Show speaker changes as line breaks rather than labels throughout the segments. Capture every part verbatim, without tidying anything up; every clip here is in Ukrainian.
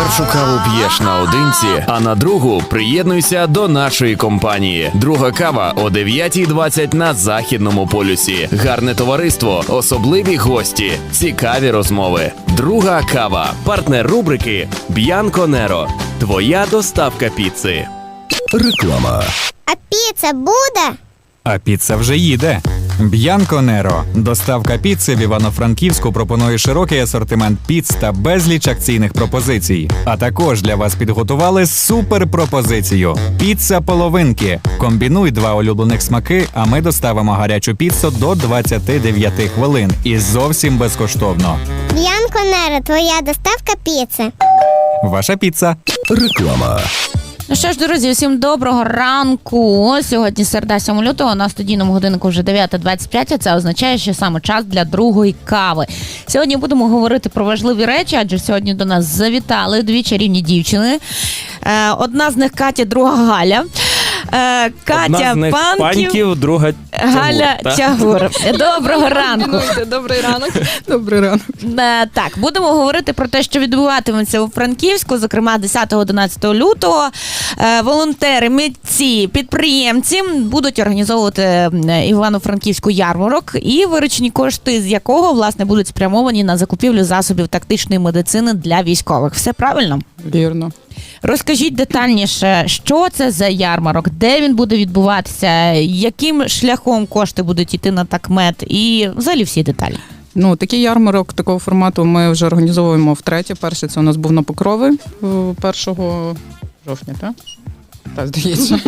першу каву п'єш наодинці, а на другу приєднуйся до нашої компанії. Друга кава о дев'ятій двадцять на Західному полюсі. Гарне товариство, особливі гості, цікаві розмови. Друга кава. Партнер рубрики Bianco Nero. Твоя доставка піци.
Реклама.
А піца буде?
А піца вже їде. Bianco Nero. Доставка піци в Івано-Франківську пропонує широкий асортимент піц та безліч акційних пропозицій. А також для вас підготували суперпропозицію. Піца половинки. Комбінуй два улюблених смаки, а ми доставимо гарячу піцу до двадцяти дев'яти хвилин. І зовсім безкоштовно.
Bianco Nero, твоя доставка піци.
Ваша піца.
Реклама.
Ну що ж, друзі, усім доброго ранку. Сьогодні середа, сьомого лютого, на студійному годиннику вже дев'ята двадцять п'ять, а це означає, що саме час для другої кави. Сьогодні будемо говорити про важливі речі, адже сьогодні до нас завітали дві чарівні дівчини. Одна з них Катя, друга Галя. Катя
Одна з них
Панків,
Панків, друга Тягур,
Галя
та?
Тягур. Доброго ранку.
Добрий ранок. Добрий ранок.
Так, будемо говорити про те, що відбуватиметься у Франківську, зокрема десятого-одинадцятого лютого. Волонтери, митці, підприємці будуть організовувати Івано-Франківську ярмарок, і виручені кошти з якого, власне, будуть спрямовані на закупівлю засобів тактичної медицини для військових. Все правильно?
Вірно.
Розкажіть детальніше, що це за ярмарок, де він буде відбуватися, яким шляхом кошти будуть йти на такмед і взагалі всі деталі.
Ну, такий ярмарок такого формату ми вже організовуємо втретє. Перший це у нас був на Покрови першого жовтня, так? Так, здається.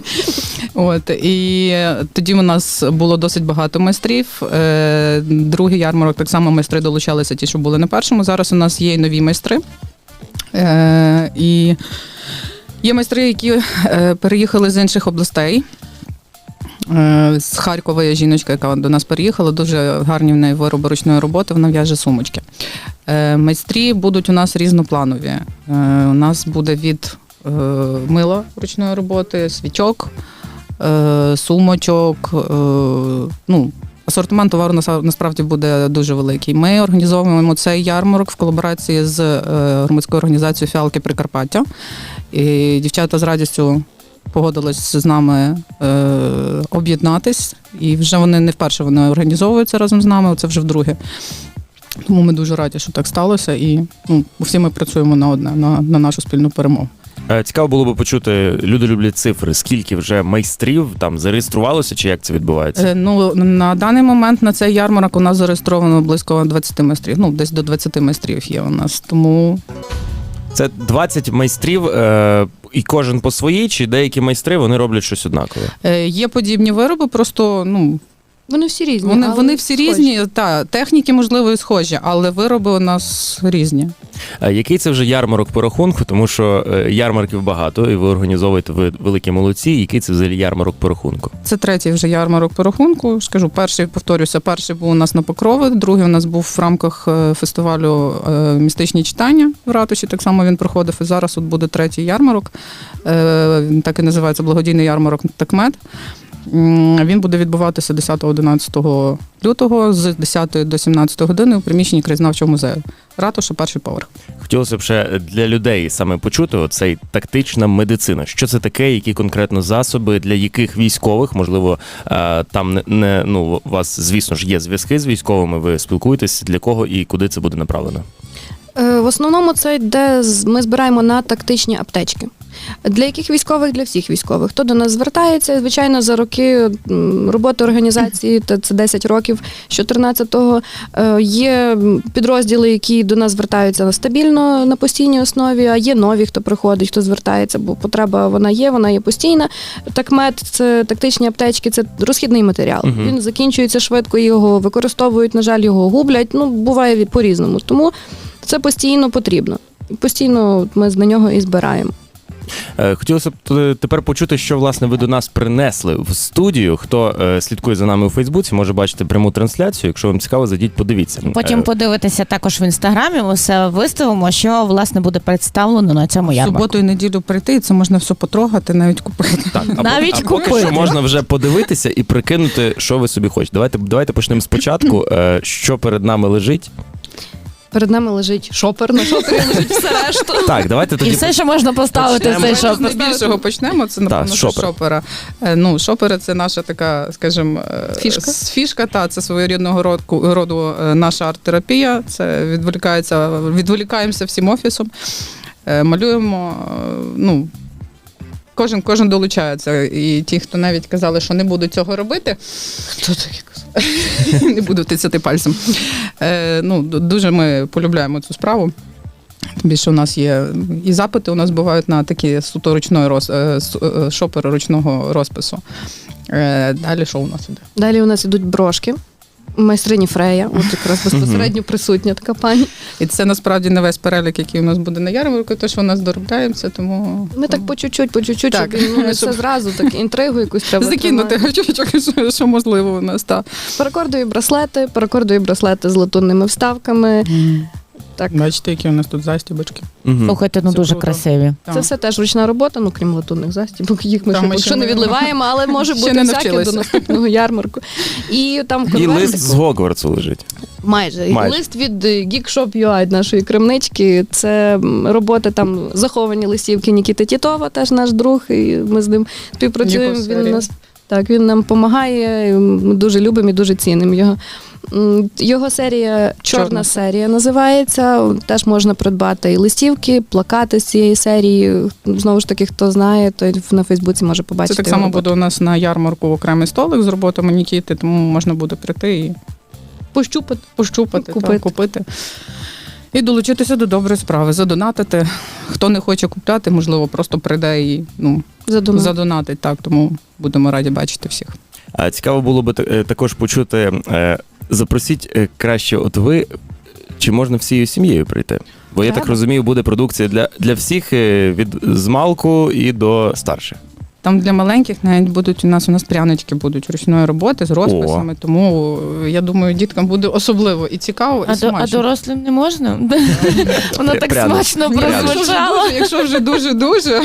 От, і тоді у нас було досить багато майстрів. Другий ярмарок, так само майстри долучалися ті, що були на першому. Зараз у нас є і нові майстри. Е, і є майстри, які е, переїхали з інших областей. Е, з Харкова є жіночка, яка до нас переїхала, дуже гарні в неї вироби ручної роботи, вона в'яже сумочки. Е, майстрі будуть у нас різнопланові. Е, у нас буде від е, мила ручної роботи, свічок, е, сумочок, е, ну, асортимент товару насправді буде дуже великий. Ми організовуємо цей ярмарок в колаборації з громадською організацією «Фіалки Прикарпаття». І дівчата з радістю погодились з нами е, об'єднатись. І вже вони не вперше вони організовуються разом з нами, це вже вдруге. Тому ми дуже раді, що так сталося. І ну, всі ми працюємо на одне, на, на нашу спільну перемогу.
Цікаво було би почути, люди люблять цифри, скільки вже майстрів там зареєструвалося, чи як це відбувається?
Е, ну, на даний момент на цей ярмарок у нас зареєстровано близько двадцяти майстрів, ну, десь до двадцяти майстрів є у нас, тому...
Це двадцять майстрів, е, і кожен по своїй, чи деякі майстри, вони роблять щось однакове?
Е, є подібні вироби, просто, ну...
Вони всі різні.
Вони,
але
вони всі
схожі.
різні, та, техніки, можливо, і схожі, але вироби у нас різні.
А який це вже ярмарок по рахунку? Тому що ярмарків багато, і ви організовуєте, ви великі молодці. Який це взагалі ярмарок по рахунку?
Це третій вже ярмарок по рахунку. Скажу, перший, повторюся, перший був у нас на Покрови, другий у нас був в рамках фестивалю «Містичні читання» в ратуші, так само він проходив, і зараз от буде третій ярмарок, так і називається благодійний ярмарок «Такмед». Він буде відбуватися десятого-одинадцятого лютого з десятої до сімнадцятої години у приміщенні краєзнавчого музею. Ратуша, перший поверх.
Хотілося б ще для людей саме почути оцей тактична медицина. Що це таке, які конкретно засоби, для яких військових, можливо, там не, не ну, у вас, звісно ж, є зв'язки з військовими, ви спілкуєтесь, для кого і куди це буде направлено?
В основному це йде, ми збираємо на тактичні аптечки. Для яких військових? Для всіх військових. Хто до нас звертається, звичайно, за роки роботи організації, це десять років, з чотирнадцятого, є підрозділи, які до нас звертаються стабільно, на постійній основі, а є нові, хто приходить, хто звертається, бо потреба вона є, вона є постійна. Такмед, це тактичні аптечки, це розхідний матеріал. Uh-huh. Він закінчується швидко, його використовують, на жаль, його гублять, ну, буває по-різному. Тому це постійно потрібно. Постійно ми на нього і збираємо.
Хотілося б тепер почути, що, власне, ви до нас принесли в студію. Хто слідкує за нами у Фейсбуці, може бачити пряму трансляцію. Якщо вам цікаво, зайдіть, подивіться.
Потім подивитися також в Інстаграмі, ми все виставимо, що, власне, буде представлено на цьому ярмарку.
В суботу і неділю прийти, і це можна все потрогати, навіть купити.
Так, а
навіть
а
купити.
Поки що можна вже подивитися і прикинути, що ви собі хочете. Давайте, давайте почнемо спочатку. Що перед нами лежить?
Перед нами лежить шопер, на шопері лежить все решта.
Так, давайте
І
тоді
все, що можна поставити в
почнемо.
цей
Давайте з
шоп.
найбільшого почнемо. Це, напевно,
Так,
що
шопер.
шопера. Е, Ну, шопери – це наша така, скажімо, е,
Фішка.
с- фішка, та, це своєрідного роду, роду е, наша арт-терапія. Це відволікається, відволікаємося всім офісом, е, малюємо, е, ну, кожен, кожен долучається. І ті, хто навіть казали, що не будуть цього робити, хто таке казав? Не буду тицяти пальцем. Е, ну, д- дуже ми полюбляємо цю справу. Тим більше у нас є і запити у нас бувають на такі суто ручної роз, е, су- е, шопери ручного розпису. Е, Далі що у нас іде?
Далі у нас ідуть брошки. Майстрині Фрея, от якраз безпосередньо присутня така пані.
І це насправді не весь перелік, який у нас буде на ярмарку, тож у нас доробляємося, тому
Ми так по чуть-чуть, по чуть-чуть,
Так.
щоб ну, не все
Щоб-
зразу, так інтригу якусь треба
закинути
тримати.
гачочок, що, що можливо у нас. Так.
Паракордові браслети, паракордові браслети з латунними вставками. Так.
Бачите, які у нас тут застібочки.
Мгм.
Слухайте, ну
Це
дуже
круто.
красиві.
Так.
Це все теж ручна робота, ну крім латунних застібок. Їх ми
Там
ще
ми
поки
ще
що не
не-
відливаємо, але може
ще
бути
не
всяке
навчилися.
до наступного ярмарку. І там
І
конверт-
лист з Гогвартсу лежить.
Майже.
Майже.
Лист від е, Geekshop ю ай, нашої кремнички. Це м, роботи там заховані листівки Нікіти Тітова, теж наш друг, і ми з ним співпрацюємо.
Його
Він
серія.
нас так, він нам допомагає. Ми дуже любимо і дуже цінимо його. М, Його серія Чорна,
Чорна.
серія називається. Теж можна придбати і листівки, плакати з цієї серії. Знову ж таки, хто знає, той на Фейсбуці може
Це
побачити.
так
його
само
роботу.
буде у нас на ярмарку окремий столик з роботами Нікіти, тому можна буде прийти і
Пощупати.
пощупати,
Купити.
купити. купити. І долучитися до доброї справи, задонатити. Хто не хоче купляти, можливо, просто прийде і ну,
Задумав.
задонатить. Так, тому будемо раді бачити всіх.
А цікаво було би е, також почути. е, Запросіть е, краще, от ви, чи можна всією сім'єю прийти? Бо я так
Треба.
розумію, буде продукція для, для всіх е, від змалку і до старших.
Там для маленьких навіть будуть у нас у нас прянички будуть ручної роботи з розписами, тому е, я думаю, діткам буде особливо і цікаво, і
А, до, а
смачно.
дорослим не можна? Воно так
Пряно.
смачно
Ні, якщо вже
прозвучало.
дуже- Якщо вже дуже-дуже,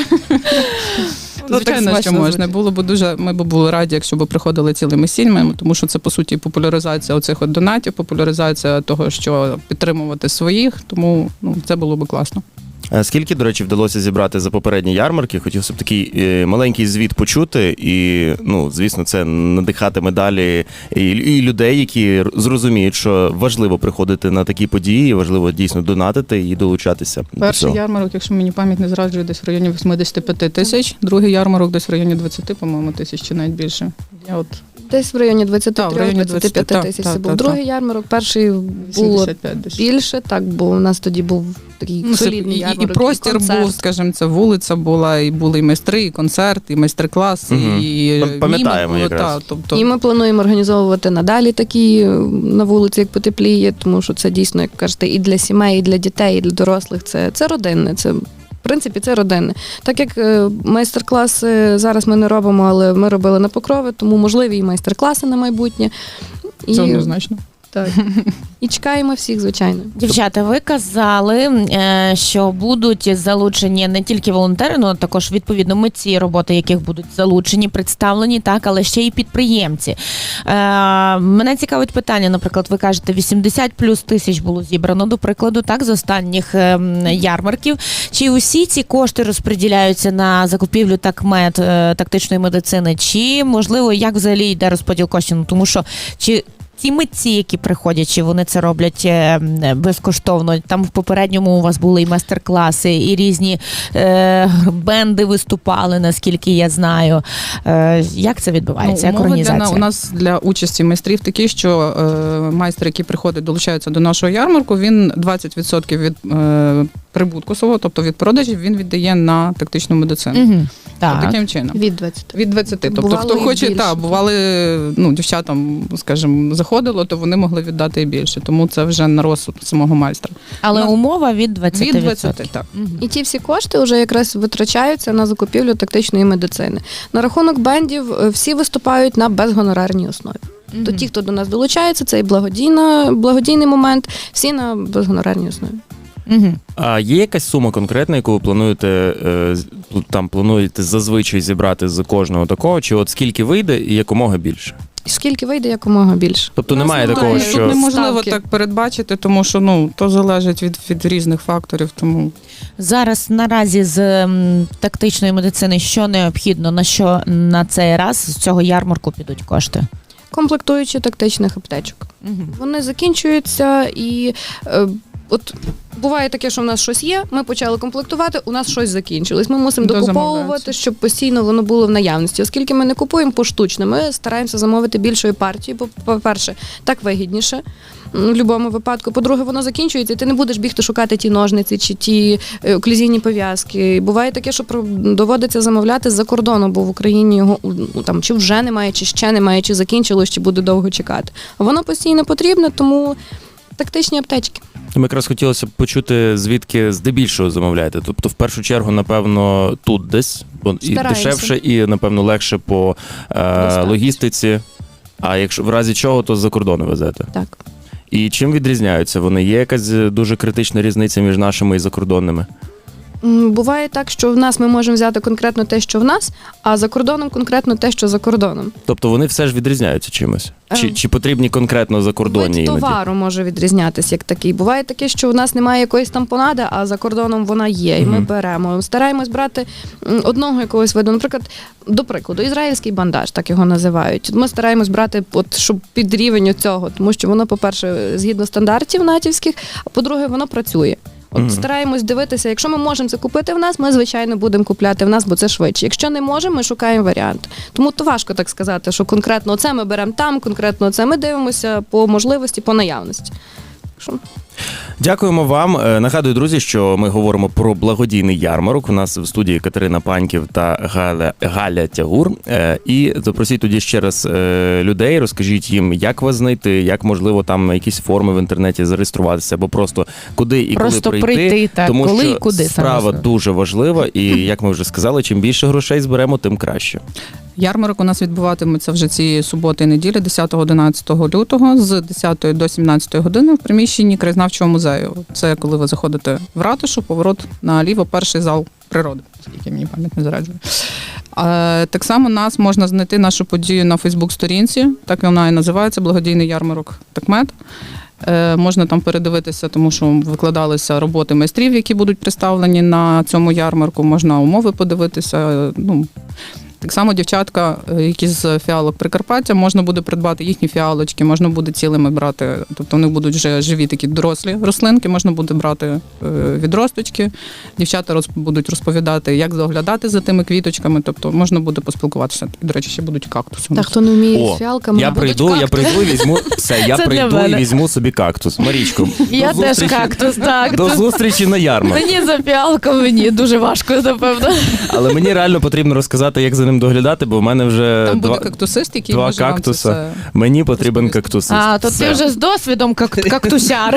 Ну, так
звичайно, що
смачно
можна.
звучить.
Було б дуже, ми б були раді, якщо б приходили цілими сім'ями, тому що це, по суті, популяризація оцих от донатів, популяризація того, що підтримувати своїх, тому ну, це було б класно.
А скільки, до речі, вдалося зібрати за попередні ярмарки? Хотів б такий е, маленький звіт почути, і, ну, звісно, це надихатиме далі і, і людей, які зрозуміють, що важливо приходити на такі події, важливо дійсно донатити і долучатися до
Перший
цього.
ярмарок, якщо мені пам'ять не зраджує, десь в районі вісімдесят п'ять тисяч, другий ярмарок десь в районі двадцять, по-моєму, тисяч чи навіть більше. Я от
Десь в районі двадцять
Так, в районі
три двадцять п'ять
двадцять,
тисяч
так,
це
так,
був.
так,
Другий
так.
ярмарок, перший було
вісімдесят п'ять десь.
більше, так, бо у нас тоді був такий
Ну, це
солідний
і,
ярмарок.
і простір
концерт.
був, скажімо, це вулиця була, і були і майстри, і концерт, і майстер-клас,
Мгм.
і
Пам- пам'ятаємо
міми було,
якраз.
та, тобто,
І ми плануємо організовувати надалі такі е, на вулиці, як потепліє, тому що це дійсно, як кажете, і для сімей, і для дітей, і для дорослих. Це, це родинне. Це, в принципі, це родинне. Так як е, майстер-класи зараз ми не робимо, але ми робили на Покрови, тому можливі і майстер-класи на майбутнє. І,
це однозначно.
так. І чекаємо всіх, звичайно.
Дівчата, ви казали, е, що будуть залучені не тільки волонтери, але також відповідно митці, роботи яких будуть залучені, представлені, так, але ще й підприємці. Е, Мене цікавить питання, наприклад, ви кажете, вісімдесят плюс тисяч було зібрано, до прикладу, так, з останніх е, ярмарків. Чи усі ці кошти розподіляються на закупівлю такмед, е, тактичної медицини, чи, можливо, як взагалі йде розподіл коштів? Ну, тому що, чи ті митці, які приходять, чи вони це роблять е, безкоштовно? Там в попередньому у вас були і майстер-класи, і різні е, бенди виступали, наскільки я знаю. Е, як це відбувається? Як
умови
організація?
Для, у нас для участі майстрів такі, що е, майстер, який приходить, долучається до нашого ярмарку, він двадцять відсотків від е, прибутку свого, тобто від продажів, він віддає на тактичну медицину.
Угу. Так.
Таким чином.
Від двадцяти.
Від двадцяти. Тобто,
Бувало
хто
і
хоче,
більше.
та, бували, ну, дівчатам, скажімо, заходило, то вони могли віддати і більше. Тому це вже на розсуд самого майстра.
Але
Ну,
умова від двадцяти
Від
відсотків.
двадцяти, так.
Мгм.
І ті всі кошти вже якраз витрачаються на закупівлю тактичної медицини. На рахунок бендів е, всі виступають на безгонорарній основі.
Мгм.
То ті, хто до нас долучається, це і благодійна, благодійний момент, всі на безгонорарній основі.
Мгм.
А є якась сума конкретна, яку ви плануєте е, з- там плануєте зазвичай зібрати з кожного такого, чи от скільки вийде і якомога більше?
Скільки вийде, якомога більше.
Тобто
У нас
немає такого,
немає
Тут
що
неможливо
ставки.
так передбачити, тому що ну то залежить від, від різних факторів. Тому
Зараз наразі з м, тактичної медицини що необхідно, на що на цей раз з цього ярмарку підуть кошти?
Комплектуючі тактичних аптечок.
Угу.
Вони закінчуються і е, от буває таке, що в нас щось є, ми почали комплектувати, у нас щось закінчилось. Ми мусимо
Дозамовляється.
докуповувати, щоб постійно воно було в наявності. Оскільки ми не купуємо поштучно, ми стараємося замовити більшою партією. Бо, по-перше, так вигідніше м, в будь-якому випадку. По-друге, воно закінчується, і ти не будеш бігти шукати ті ножниці чи ті е, оклюзійні пов'язки. Буває таке, що про- доводиться замовляти з-за кордону, бо в Україні його ну, там чи вже немає, чи ще немає, чи закінчилось, чи буде довго чекати. А воно постійно потрібне, тому тактичні аптечки.
ми якраз хотілося б почути, звідки здебільшого замовляєте. Тобто, в першу чергу, напевно, тут десь, бо і
Стараємося.
дешевше, і, напевно, легше по е,
Доставці.
логістиці. А якщо в разі чого, то з-за кордону везете.
Так.
І чим відрізняються вони? Є якась дуже критична різниця між нашими і закордонними?
М, Буває так, що в нас ми можемо взяти конкретно те, що в нас, а за кордоном конкретно те, що за кордоном.
Тобто вони все ж відрізняються чимось? Чи,
Ем,
чи потрібні конкретно закордонні
Вид
іноді?
товару може відрізнятися як такий. Буває таке, що в нас немає якоїсь тампонади, а за кордоном вона є, і ми
Мгм.
беремо. Стараємось брати м, одного якогось виду. Наприклад, до прикладу, ізраїльський бандаж, так його називають. Ми стараємось брати, от, щоб під рівень цього, тому що воно, по-перше, згідно стандартів натівських, а по-друге, воно працює. От
Мгм.
стараємось дивитися, якщо ми можемо це купити в нас, ми, звичайно, будемо купляти в нас, бо це швидше. Якщо не можемо, ми шукаємо варіант. Тому то важко так сказати, що конкретно це ми беремо там, конкретно це ми дивимося по можливості, по наявності. Що?
Дякуємо вам. Е, Нагадую, друзі, що ми говоримо про благодійний ярмарок. У нас в студії Катерина Паньків та Галя, Галя Тягур. Е, І запросіть тоді ще раз е, людей, розкажіть їм, як вас знайти, як можливо там на якісь форми в інтернеті зареєструватися, або просто куди і
Просто
коли прийти.
прийти, так,
тому
коли
що
і куди, саме
справа
основне.
дуже важлива, і як ми вже сказали, чим більше грошей зберемо, тим краще.
ярмарок у нас відбуватиметься вже цієї суботи і неділі, десятого-одинадцятого лютого, з десятої до сімнадцятої години в приміщенні краєзнавчого музею. Це коли ви заходите в ратушу, поворот наліво, перший зал природи, оскільки мені пам'ять не зараджує. А, так само нас можна знайти нашу подію на Фейсбук-сторінці, так вона і називається «Благодійний ярмарок Такмед». Е, можна там передивитися, тому що викладалися роботи майстрів, які будуть представлені на цьому ярмарку, можна умови подивитися. е, Ну, так само дівчатка, е, які з фіалок Прикарпаття, можна буде придбати їхні фіалочки, можна буде цілими брати, тобто в них будуть вже живі такі дорослі рослинки, можна буде брати е, відросточки. Дівчата роз, будуть розповідати, як доглядати за тими квіточками, тобто можна буде поспілкуватися. До речі, ще будуть кактуси. у
Та
нас.
хто не вміє
О,
з фіалками,
Я
будуть
прийду, я
кактуси.
прийду і візьму все, я
Це для
прийду і
мене.
візьму собі кактус. Марічко,
Я
до
теж
зустрічі-
кактус, так.
До зустрічі на ярмарку.
Мені за фіалком мені дуже важко, напевно.
Але мені реально потрібно розказати, як за ним доглядати, бо в мене вже
Там
два,
буде кактусист, який
два
може вам це
кактуса.
все...
Мені потрібен
розповісти.
кактусист.
А, то
Все.
ти вже з досвідом как- кактусяр.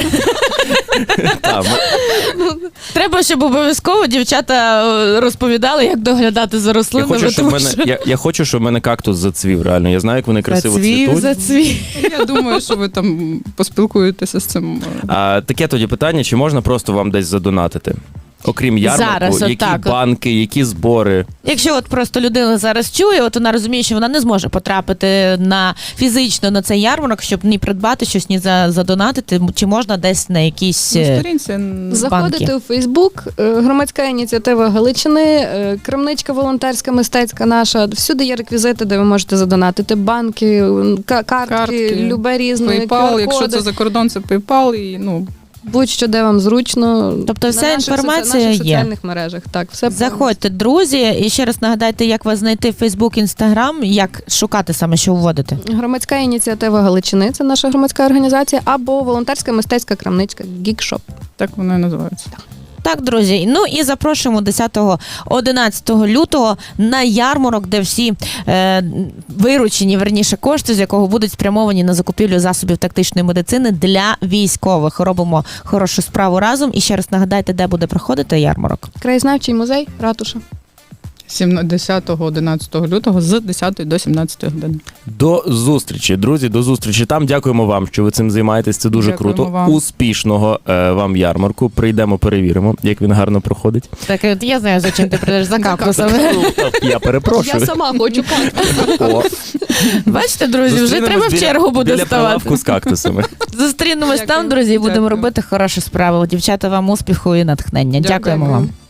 Та, м-
Треба, щоб обов'язково дівчата е, розповідали, як доглядати за
я,
рослинами.
хочу, щоб в
тому
мене,
що
я, я хочу, щоб в мене кактус зацвів, реально. Я знаю, як вони красиво
зацвів,
цвітуть.
зацвів.
Я думаю, що ви там поспілкуєтеся з цим.
А, таке тоді питання, чи можна просто вам десь задонатити? Окрім ярмарку,
Зараз,
які
отак от.
банки, які збори.
Якщо от просто людина зараз чує, от вона розуміє, що вона не зможе потрапити на фізично на цей ярмарок, щоб ні придбати щось, ні за, задонатити, чи можна десь на якісь
На
е,
сторінці н-
Заходите
банки.
у Фейсбук, е, громадська ініціатива Галичини, е, крамничка волонтерська, мистецька наша. Всюди є реквізити, де ви можете задонатити. Банки, м, ка- картки,
Картки,
любе різне,
PayPal, якщо
Q R-коди.
це за кордон, це PayPal і ну
Будь-що, де вам зручно.
Тобто
На
вся
наших соці-
інформація
наших
є.
соціальних мережах. Так, все
Заходьте, друзі, і ще раз нагадайте, як вас знайти в Фейсбук, Інстаграм, як шукати саме, що вводити.
Громадська ініціатива Галичини, це наша громадська організація, або волонтерська мистецька крамничка Гікшоп.
так воно і називається.
Так, друзі. Ну і запрошуємо десятого-одинадцятого лютого на ярмарок, де всі е, виручені, верніше, кошти, з якого будуть спрямовані на закупівлю засобів тактичної медицини для військових. Робимо хорошу справу разом. І ще раз нагадайте, де буде проходити ярмарок.
Краєзнавчий музей, ратуша.
десятого одинадцятого лютого з десятої до сімнадцятої години.
До зустрічі, друзі, до зустрічі там. Дякуємо вам, що ви цим займаєтесь. Це дуже
Дякуємо
круто.
вам.
Успішного е, вам ярмарку. Прийдемо, перевіримо, як він гарно проходить.
Так, от я знаю, за чим ти прийдеш за кактусами.
Я перепрошую.
Я сама хочу кактус.
О,
Бачите, друзі, вже
зустрінемось
треба в
біля-
чергу буде
біля
ставати.
прилавку з кактусами.
Зустрінемось там,
Дякую.
друзі, і будемо
Дякую.
робити хорошу справу. Дівчата, вам успіху і натхнення. Дякуємо
Дякуємо.
вам.